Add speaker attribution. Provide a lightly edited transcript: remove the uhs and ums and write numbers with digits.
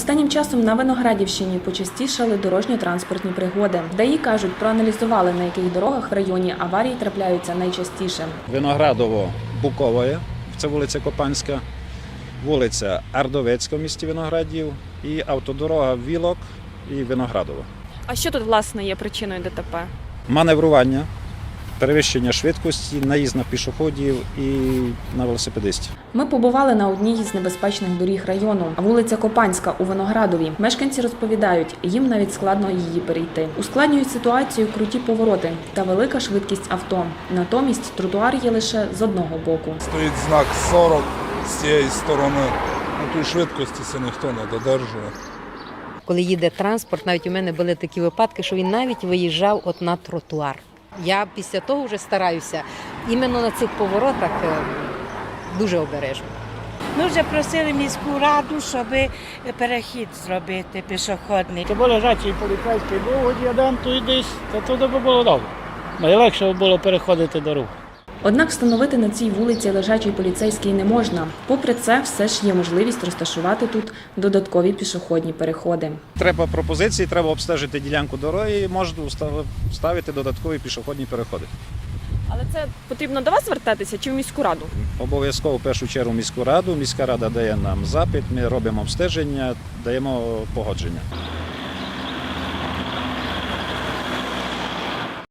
Speaker 1: Останнім часом на Виноградівщині почастішали дорожньо-транспортні пригоди. ДАІ кажуть, проаналізували, на яких дорогах в районі аварії трапляються найчастіше.
Speaker 2: Виноградово-Букове, це вулиця Копанська, вулиця Ардовецька в місті Виноградів і автодорога Вілок і Виноградово.
Speaker 3: А що тут, власне, є причиною ДТП?
Speaker 2: Маневрування, перевищення швидкості, наїзд на пішоходів і на велосипедистів.
Speaker 1: Ми побували на одній із небезпечних доріг району – вулиця Копанська у Виноградові. Мешканці розповідають, їм навіть складно її перейти. Ускладнюють ситуацію круті повороти та велика швидкість авто. Натомість тротуар є лише з одного боку.
Speaker 4: Стоїть знак 40 з цієї сторони. На тій швидкості це ніхто не додержує.
Speaker 5: Коли їде транспорт, навіть у мене були такі випадки, що він навіть виїжджав от на тротуар. Я після того вже стараюся іменно на цих поворотах дуже обережно.
Speaker 6: Ми вже просили міську раду, щоб перехід зробити пішохідний.
Speaker 7: Якби лежачий поліцейський був один, то йдеш, то туди б було добре. Найлегше було переходити дорогу.
Speaker 1: Однак встановити на цій вулиці лежачий поліцейський не можна. Попри це, все ж є можливість розташувати тут додаткові пішохідні переходи.
Speaker 2: Треба пропозиції, треба обстежити ділянку дороги і можна вставити додаткові пішохідні переходи.
Speaker 3: Але це потрібно до вас звертатися чи в міську раду?
Speaker 2: Обов'язково в першу чергу міську раду. Міська рада дає нам запит, ми робимо обстеження, даємо погодження.